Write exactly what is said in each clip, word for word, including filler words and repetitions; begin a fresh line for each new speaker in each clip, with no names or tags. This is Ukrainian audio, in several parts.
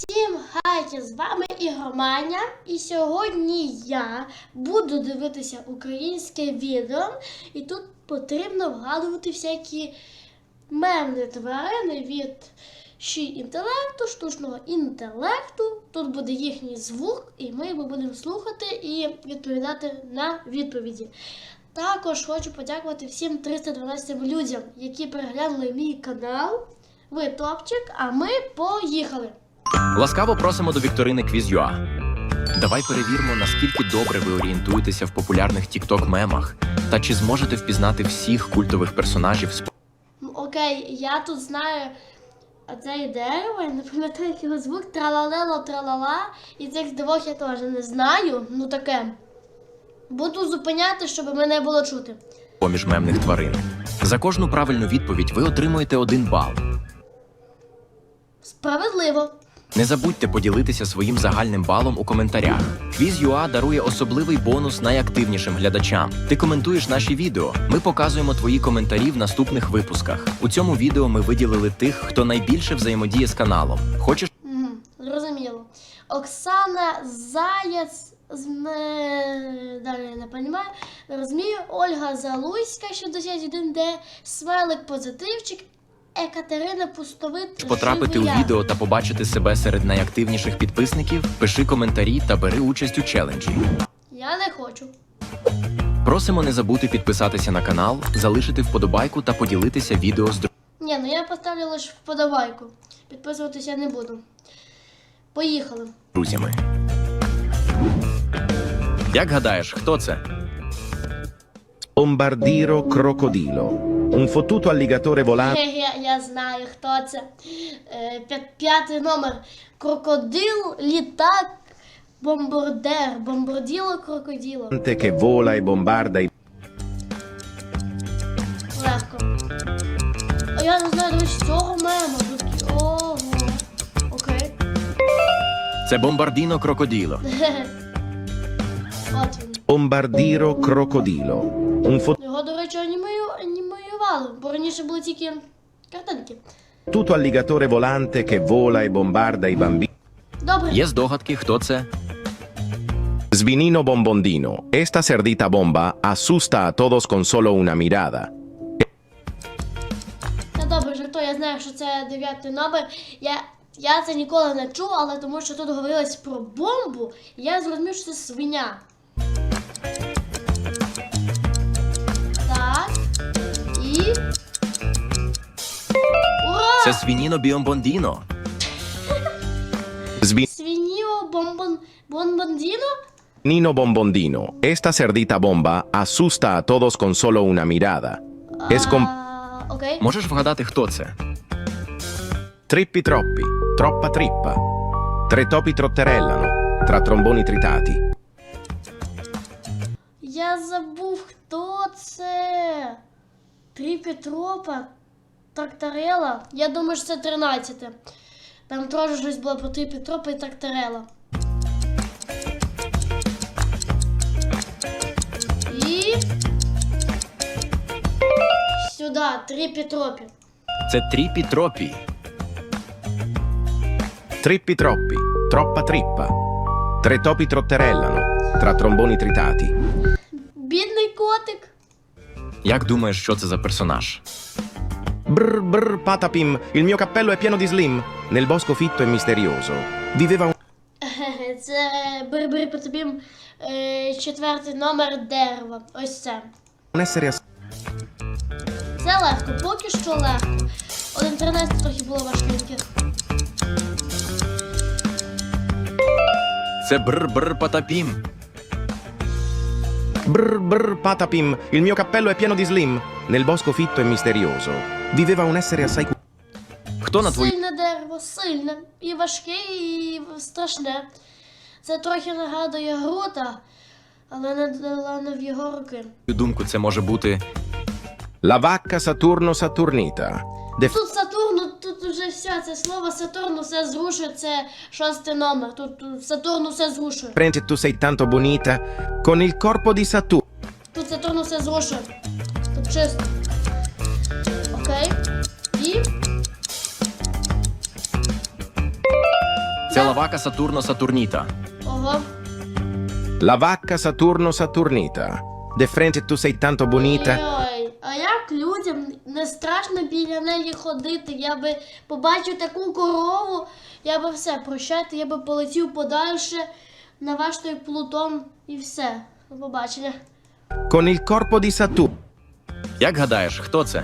Всім хайте, з вами Ігроманя, і сьогодні я буду дивитися українське відео, і тут потрібно вгадувати всякі мемні тварини від ші інтелекту, штучного інтелекту. Тут буде їхній звук, і ми його будемо слухати і відповідати на відповіді. Також хочу подякувати всім триста дванадцять людям, які переглянули мій канал. Ви топчик, а ми поїхали!
Ласкаво просимо до вікторини Quiz.ua. Давай перевіримо, наскільки добре ви орієнтуєтеся в популярних тік-ток-мемах та чи зможете впізнати всіх культових персонажів з...
Окей, я тут знаю оце дерево, я не пам'ятаю як його звук, тралалело, тралала, і цих двох я теж не знаю, ну таке. Буду зупиняти, щоб мене було чути.
поміж мемних тварин. За кожну правильну відповідь ви отримуєте один бал.
Справедливо.
Не забудьте поділитися своїм загальним балом у коментарях. Quiz.ua дарує особливий бонус найактивнішим глядачам. Ти коментуєш наші відео, ми показуємо твої коментарі в наступних випусках. У цьому відео ми виділили тих, хто найбільше взаємодіє з каналом. Хочеш?
Угу, зрозуміло. Оксана Заяць, з... не... далі я не розумію, не розумію. Ольга Залуська, шістдесят один де, Смайлик Позитивчик, Екатерина Пустовит.
Потрапити у відео та побачити себе серед найактивніших підписників? Пиши коментарі та бери участь у челенджі.
Я не хочу.
Просимо не забути підписатися на канал, залишити вподобайку та поділитися відео з друзями.
Ні, ну я поставлю лише вподобайку. Підписуватися я не буду. Поїхали.
друзями. Як гадаєш, хто це?
Bombardiro crocodilo, un fottuto alligatore volante
Я, я знаю, хто це. Е, п'я- п'ятий номер. Крокодил, літак, бомбардер. Бомбарділо, крокоділо.
che vola e bombarda i
Легко. А я не знаю, дивись, цього мема. Тут- Ого. Окей.
Це Бомбардіно Крокоділо.
От він.
Bombardiro crocodilo, un
Його, до речі, анімою, анімоювали, бо раніше були тільки картинки.
fottuto alligatore volante che vola e bombarda i bambini.
Добре.
Є здогадки, хто це?
Svinino bombondino, esta cerdita bomba asusta a todos con solo una mirada.
Та добре, жартую, я знаю, що це дев'ятий номер. Я, я це ніколи не чув, але тому що тут говорилось про бомбу, і я зрозумів, що це свиня. Так. І... Ура!
Це Свініно Біомбондіно.
Свиньо бомбон... бомбондіно?
Svinino bombondino, esta cerdita bomba asusta a todos con solo una mirada. Es con
А, окей.
Можеш вгадати, хто це?
trippi troppi, troppa trippa. Tre topi trotterellano, tra tromboni tritati.
Я забув, хто це. Три Петропа, Тракторела. Я думаю, що це тринадцяте. Там теж щось було про три Петропа і Тракторела. І... Сюди, три Петропі.
Це Тріпі Тропі.
Trippi troppi, troppa trippa. Tre topi trotterellano, tra tromboni tritati.
Бідний котик.
Як думаєш, що це за персонаж?
Brr brr patapim, il mio cappello è pieno di slim. Nel bosco fitto e misterioso viveva un...
Це бери-бери по тобі е, четвертий номер дерева. Ось це.
un essere ass-
Це легко, поки що легко. один тринадцять трохи було важкеньке.
Це Бр-Бр Патапім.
Brr brr patapim, il mio cappello è pieno di slim. Nel bosco fitto e misterioso viveva un essere assai cu-
Хто на твою
Сильне дерево, сильне. І важке, і страшне. Це трохи нагадує Грута, але не, але не в його руки.
думку це може бути?
La vacca Saturno Saturnita. De
Тут Сатурн, ну, тут вже все, це слово Сатурн все зрушує, це шостий номер. Тут, тут Сатурн все зрушує.
frente tu sei tanto bonita con il corpo di Saturno.
Тут Сатурн все зрушує. Тут чисто. Окей. І...
Це лавака Сатурно Сатурніта.
Ого.
La vacca Saturno Saturnita. De frente tu sei tanto bonita.
Ой, а як людям не страшно біля неї ходити? Я би побачив таку корову, я би все, прощайте, я би полетів подальше на ваш той Плутон і все. До побачення.
Con il corpo di Saturno.
Як гадаєш, хто це?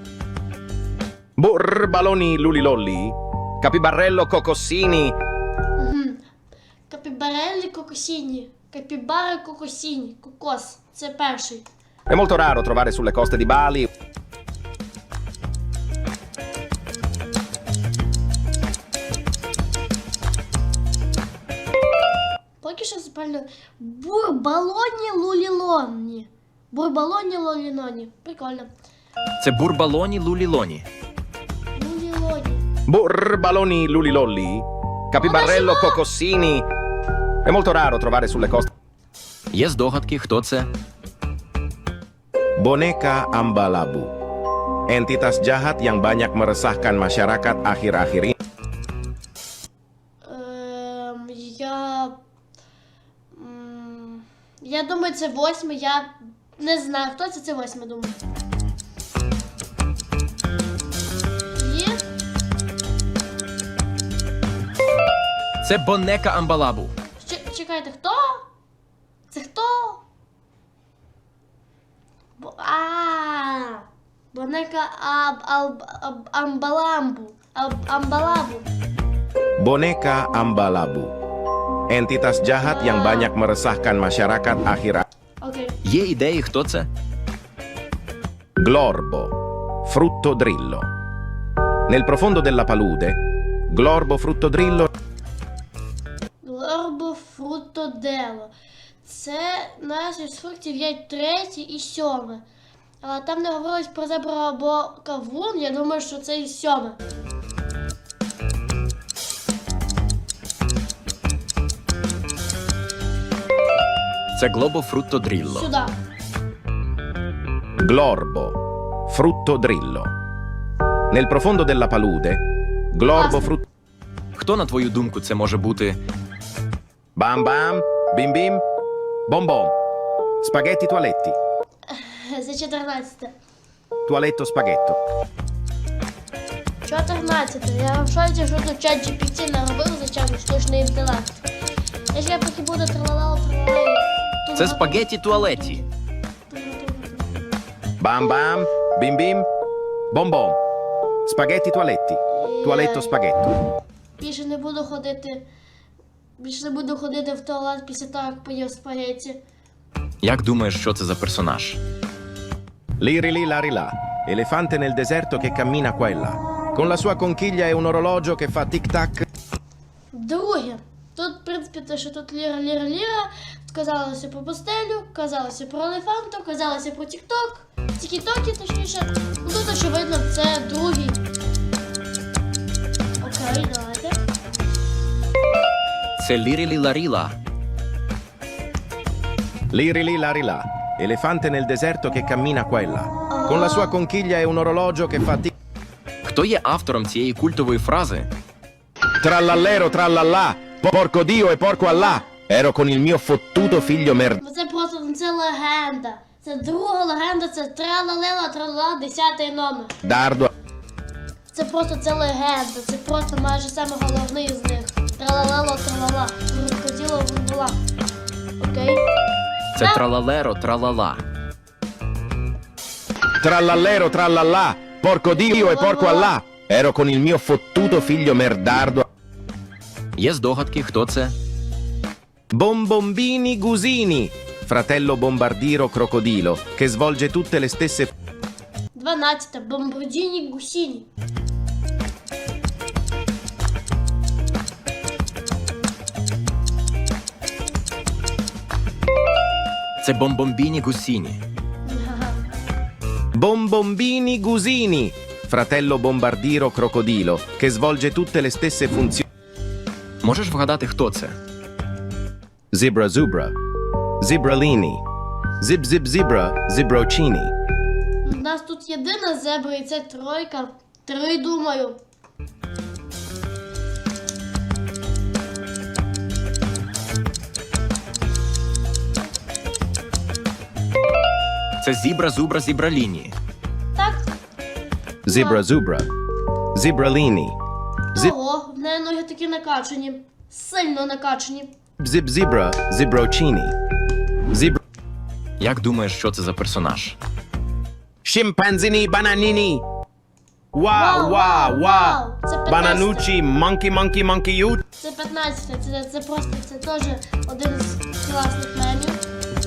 Borbaloni lulilolli. Capibarello cocossini.
Угу. Капібареллі кокосіні. Капібари кокосіні. Кокос. Це перший.
È molto raro trovare sulle coste di Bali.
Поки що запально бурбалоні лулілоні. Бурбалоні лулілоні. Прикольно.
Це бурбалоні лулілоні.
Лулілоні.
Borbaloni lulilolli. Capibarello
Buonasera.
cocossini. È molto raro trovare sulle coste.
Є здогадки, хто це?
Boneka Ambalabu. Entitas jahat yang banyak meresahkan masyarakat akhir-akhir ini.
Ем, я. м, Я думаю, це восьмий. Я не знаю, хто це, це восьмий, думаю. Є?
Це Бонека Амбалабу.
Ч- чекайте, хто? Це хто? Бо, а, Бонека аб, аб, аб, Амбаламбу. Аб, Амбалабу.
Boneka Ambalabu. Entitas jahat yang banyak meresahkan masyarakat akhir-akhir.
Окей.
Є ідеї, хто це?
Glorbo. Frutto drillo. Nel profondo della palude, Glorbo frutto drillo.
Лорбо фрутодело. Це нас із фруктів є третє і сьоме. Але там не говорилось про зебру або кавун, я думаю, що це і сьоме.
Це Глобо Фрутто Дрілло.
Сюди.
Glorbo. Frutto drillo. Nel profondo della palude, Glorbo
Класно.
frutto.
Хто, на твою думку, це може бути?
Bam bam. Bim bim. Bom bom. Spaghetti toaletti.
За чотирнадцяте.
Toaletto spaghetto.
чотирнадцяте. Я в шоці, що тут чат джі пі ті наробив за час штучний інтелект. Я ж я поки буду тралала, тралала.
Це спагеті туалеті.
Bam bam. Bim bim. Bom bom. Spaghetti toaletti. Toaletto spaghetto.
Більше не буду ходити. Більше не буду ходити в туалет після того, як поїв спагетті.
Як думаєш, що це за персонаж?
Liri li lari là. Elefante nel deserto che cammina qua e là. Con la sua conchiglia e un orologio che fa tic-tac.
Друге. Тут, в принципі, те, що тут ліра, ліра, ліра. Тут казалося про пустелю, казалося про елефанту, казалося про тік-ток. Тік-токи, точніше. Ну, тут, очевидно, це другий. Окей, давайте.
Це Лірілі Ларіла.
Liri li lari là. Elefante nel deserto che cammina qua e là. Con la sua conchiglia e un orologio che fa tic.
Хто є автором цієї культової фрази?
Trallallero trallallà. Porco Dio e porco Allah. Ero con il mio fottuto figlio mer...
Бо це просто це легенда. Це друга легенда, це тралалела, тралала, десятий номер.
Dardo.
Це просто це легенда, це просто майже саме головний з них. Тралалело, тралала, крокодило була. Окей?
Це тралалеро тралала.
Trallallero trallallà. Porco Dio e porco Allah. Ero con il mio fottuto figlio merdardo.
Є здогадки, хто це?
Bombombini Gusini. Fratello bombardiro crocodilo che svolge tutte le stesse...
дванадцяте. Бомбардіні гусіні.
Це Бомбомбіні Гусіні.
Bombombini Gusini. Fratello bombardiro crocodilo che svolge tutte le stesse funzioni.
Можеш вгадати, хто це?
Zebra zubra. Zibralini. Zib zib zebra zibrocini.
У нас тут єдина зебра і це тройка. Три, думаю.
Це зібра, зубра, зібраліні.
Так?
Zebra zubra. Zebralini. Zip
Ого, в неї ноги такі накачані. Сильно накачані.
zip zebra. Zebrocini. Zebra.
Як думаєш, що це за персонаж?
Scimpanzini bananini. Wow,
Вау,
wow,
вау,
wow.
Це п'ятнадцяте.
Bananucci, monkey, monkey, monkey, you.
Це п'ятнадцяте. Це, це просто це теж один з класних мемів.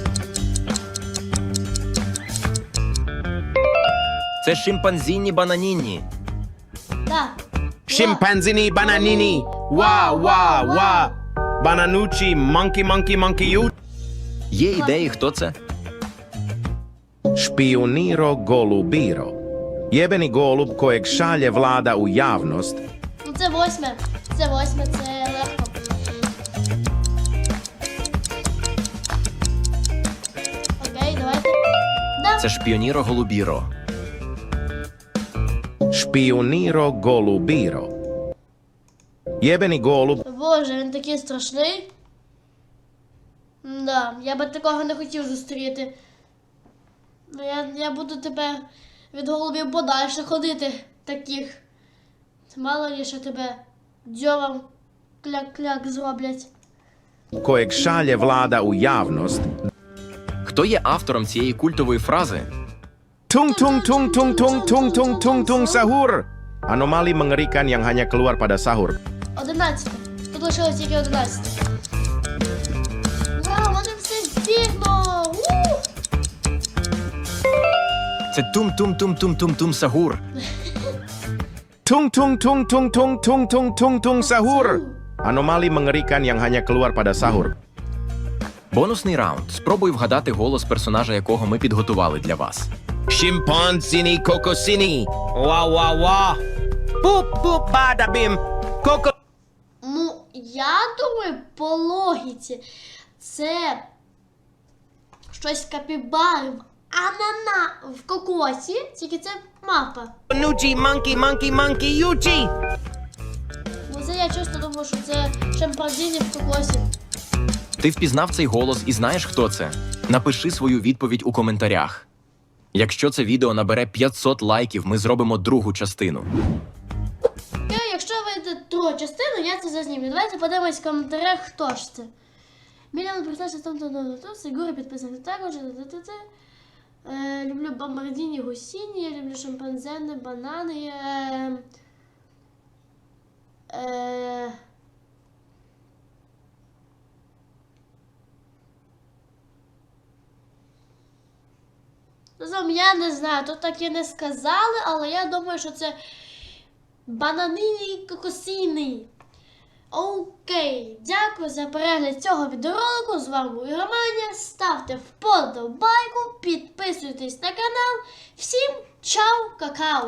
Це шимпанзіні бананіні.
Так.
Scimpanzini bananini. Wow, wow, wow. Bananucci, monkey, monkey, monkey, you.
Є ідеї, хто це?
Špioniro golubiro. Jebeni golub kojeg šalje vlada u javnost.
Ну це восьме. Це восьме, це легко. Окей, давайте. Да.
Це шпіоніро голубіро.
Špioniro golubiro. Jebeni golub
Боже, він такий страшний. Да, я би такого не хотів зустріти. Ну, я, я буду тепер від голубів подальше ходити таких. Мало ли, що тебе дзьобом кляк-кляк зроблять.
kojeg šalje vlada u javnost.
Хто є автором цієї культової фрази?
Tung tung tung tung tung tung tung tung tung sahur. Anomali mengerikan yang hanya keluar pada sahur.
Одинадцяте. Тут лишилось тільки одинадцяте. Вау, вони все встигно! У!
Це тум-тум-тум-тум-тум-тум сагур.
Tung tung tung tung tung tung tung tung tung sahur. Anomali mengerikan yang hanya keluar pada sahur.
Бонусний раунд. Спробуй вгадати голос персонажа, якого ми підготували для вас.
Шимпанзini kokosini. Wa wa wa. Boop boop bada bim. Coco.
Ну, я думаю, по логіці це щось капібари в анана в кокосі, тільки це мапа.
Nucci monkey monkey monkey yuchi.
Бо це я чесно думаю, що це шимпанзіні в кокосі.
Ти впізнав цей голос і знаєш, хто це? Напиши свою відповідь у коментарях. Якщо це відео набере п'ятсот лайків, ми зробимо другу частину.
Окей, якщо вийде другу частину, я це зазнімлю. Давайте подивимось в коментарях, хто ж це. Мільйон прочитався там там Сигури підписаний також. Е, люблю бомбардіні гусіні, я люблю шимпанзени, банани. Е, е, Загалом я не знаю, тут так і не сказали, але я думаю, що це бананині кокосіни. Окей, дякую за перегляд цього відеоролику. З вами був Романя. Ставте вподобайку, підписуйтесь на канал. Всім чао, какао!